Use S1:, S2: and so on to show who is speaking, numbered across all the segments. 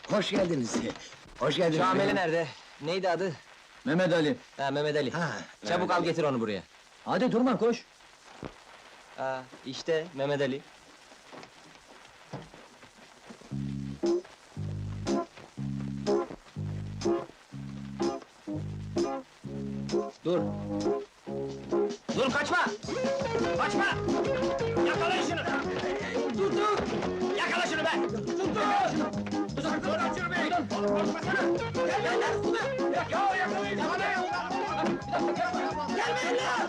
S1: Hoş geldiniz. Hoş geldiniz.
S2: Şameli nerede? Neydi adı?
S1: Mehmet Ali.
S2: Ha, Mehmet Ali.
S1: Ha,
S2: Çabuk
S1: Mehmet
S2: al
S1: Ali.
S2: getir onu buraya.
S1: Hadi durma, koş.
S2: Ha, işte Mehmet Ali. Dur. Dur, kaçma! Kaçma! Yakalayın şunu! Dur! Yakala şunu be! Dur, şunu be! Korkmasana! Gel lan üstüme! Ya yakalayın! Yakalayın! Gelmeyin lan!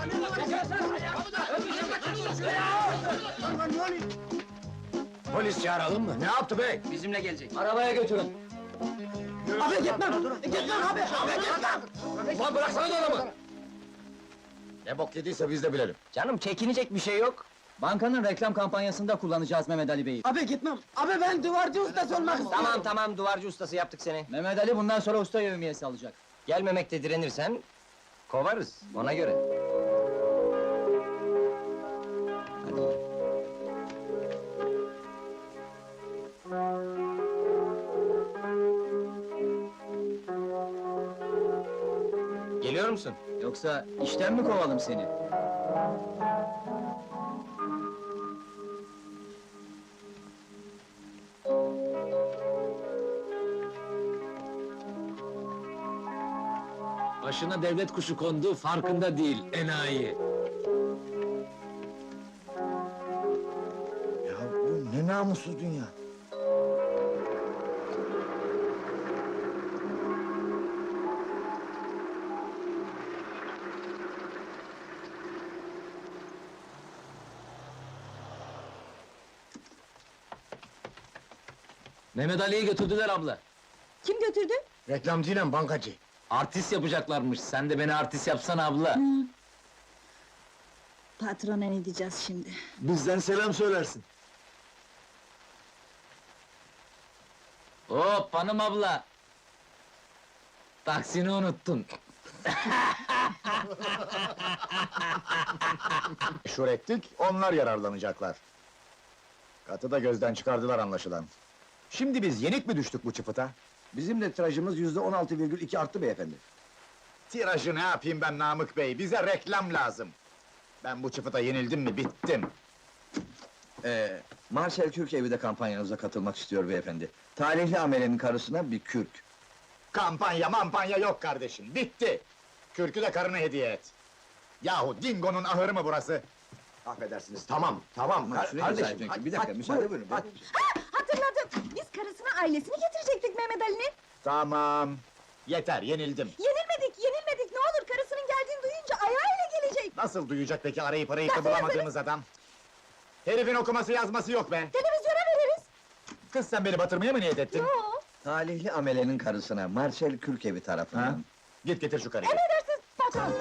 S1: Polis çağıralım mı? Ne yaptı bey?
S2: Bizimle gelecek.
S1: Arabaya götürün.
S2: Abi gitmem! Gitmem abi! Abi gitmem!
S1: Ulan bıraksana da adamı! Ne bok yediyse biz de bilelim.
S2: Canım çekinecek bir şey yok.
S3: Bankanın reklam kampanyasında kullanacağız Mehmet Ali Bey'i.
S4: Abi gitmem. Abi ben duvarcı ustası olmak istiyorum.
S2: Tamam, duvarcı ustası yaptık seni.
S3: Mehmet Ali bundan sonra usta yevmiyesi alacak.
S2: Gelmemekte direnirsen, kovarız, ona göre. Hadi. Geliyor musun?
S3: Yoksa işten mi kovalım seni?
S1: Başına devlet kuşu kondu, farkında değil, enayi. Ya bu ne namussuz dünya! Mehmet Ali'yi götürdüler abla.
S5: Kim götürdü?
S1: Reklamcıyla bankacı. Artist yapacaklarmış, sen de beni artist yapsana abla.
S5: Patrona ne diyeceğiz şimdi?
S1: Bizden selam söylersin.
S3: Hop hanım abla! Taksini unuttun.
S6: Meşhur ettik, onlar yararlanacaklar. Katı da gözden çıkardılar anlaşılan. Şimdi biz yenik mi düştük bu çıfıta?
S1: Bizim de tirajımız %16,2 arttı beyefendi.
S6: Tirajı ne yapayım ben Namık Bey, bize reklam lazım. Ben bu çıfıta yenildim mi, bittim.
S1: Marcel Kürk evi de kampanyanıza katılmak istiyor beyefendi. Talihli amelenin karısına bir kürk.
S6: Kampanya mampanya yok kardeşim, bitti! Kürkü de karına hediye et. Yahu Dingo'nun ahırı mı burası? Affedersiniz, tamam.
S1: Kardeşim, bir dakika, müsaade buyurun.
S5: Hatırladım! Biz karısına ailesini getirecektik Mehmet Ali'nin!
S6: Tamam, yeter, yenildim.
S5: Yenilmedik! Ne olur karısının geldiğini duyunca ayağıyla gelecek!
S6: Nasıl duyacak peki arayıp da bulamadığımız adam? Herifin okuması yazması yok be!
S5: Televizyona veririz!
S6: Kız sen beni batırmaya mı niyet ettin?
S5: Yo!
S1: Talihli amelenin karısına Marcel Kürk evi tarafından.
S6: Ha? Git getir şu karıyı.
S5: Emredersiniz patron!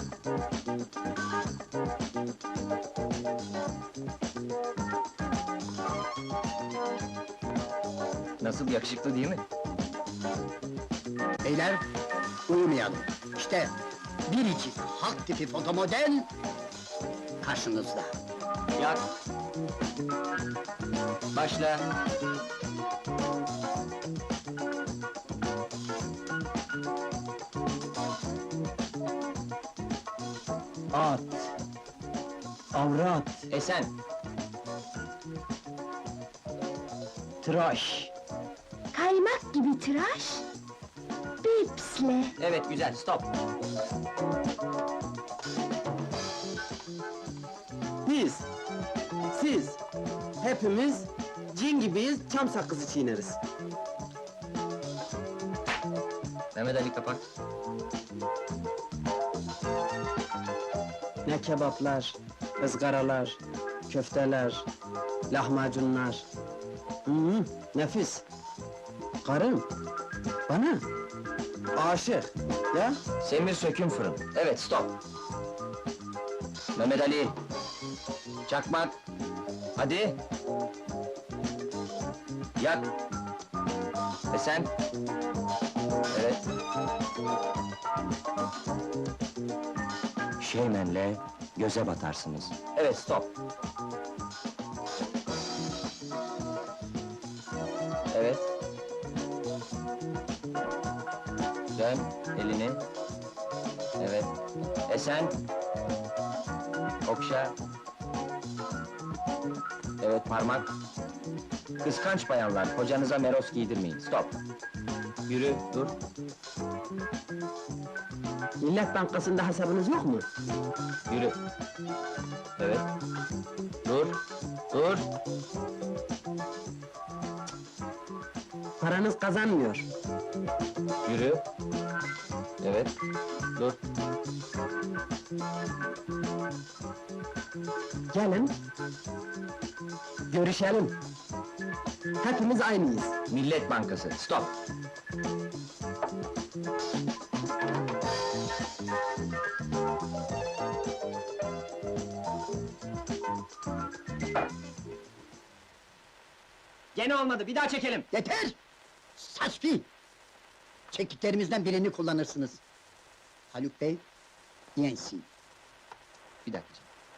S2: Nasıl, yakışıklı değil mi?
S4: Beyler, uyumayalım. İşte biricik halk tipi fotomodel karşınızda.
S2: Yak! Başla!
S3: At! Avrat!
S2: Esen!
S3: Tıraş!
S5: Kaymak gibi tıraş! Bipsle!
S2: Evet, güzel, stop!
S4: Biz, siz, hepimiz cin gibiyiz, çam sakızı çiğneriz.
S2: Mehmet Ali kapak.
S4: Ne kebaplar, ızgaralar, köfteler, lahmacunlar. Nefis. Karım, bana aşık, ya?
S2: Semir söküm fırın. Evet, stop! Mehmet Ali! Çakmak! Hadi! Yak! Esen! Evet! Şeymenle göze batarsınız. Evet, stop! Evet!
S3: Dön elini. Evet. Esen. Okşa. Evet, parmak. Kıskanç bayanlar, kocanıza meros giydirmeyin. Stop. Yürü, dur.
S4: Millet Bankası'nda hesabınız yok mu?
S3: Yürü. Evet. Dur. Dur.
S4: Paranız kazanmıyor.
S3: Yürü. Evet. Dur.
S4: Gelin. Görüşelim. Hepimiz aynıyız.
S3: Millet Bankası. Stop. Gene olmadı. Bir daha çekelim.
S7: Yeter! Saçfi! Çekiklerimizden birini kullanırsınız. Haluk Bey, yensin.
S3: Bir dakika.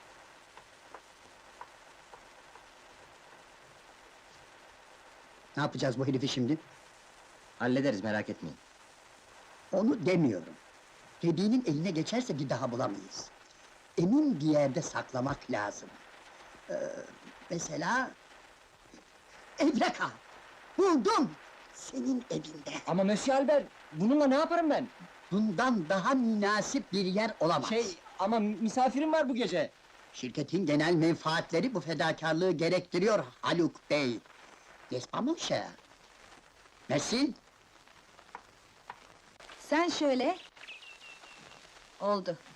S7: Ne yapacağız bu herifi şimdi?
S3: Hallederiz, merak etmeyin.
S7: Onu demiyorum. Dediğinin eline geçerse bir daha bulamayız. Emin bir yerde saklamak lazım. Mesela... Evreka! Buldum! Senin evinde.
S3: Ama Monsieur Albert, bununla ne yaparım ben?
S7: Bundan daha münasip bir yer olamaz.
S3: Ama misafirim var bu gece.
S7: Şirketin genel menfaatleri bu fedakarlığı gerektiriyor Haluk Bey. N'est-ce pas mon cher? Merci.
S5: Sen şöyle... Oldu.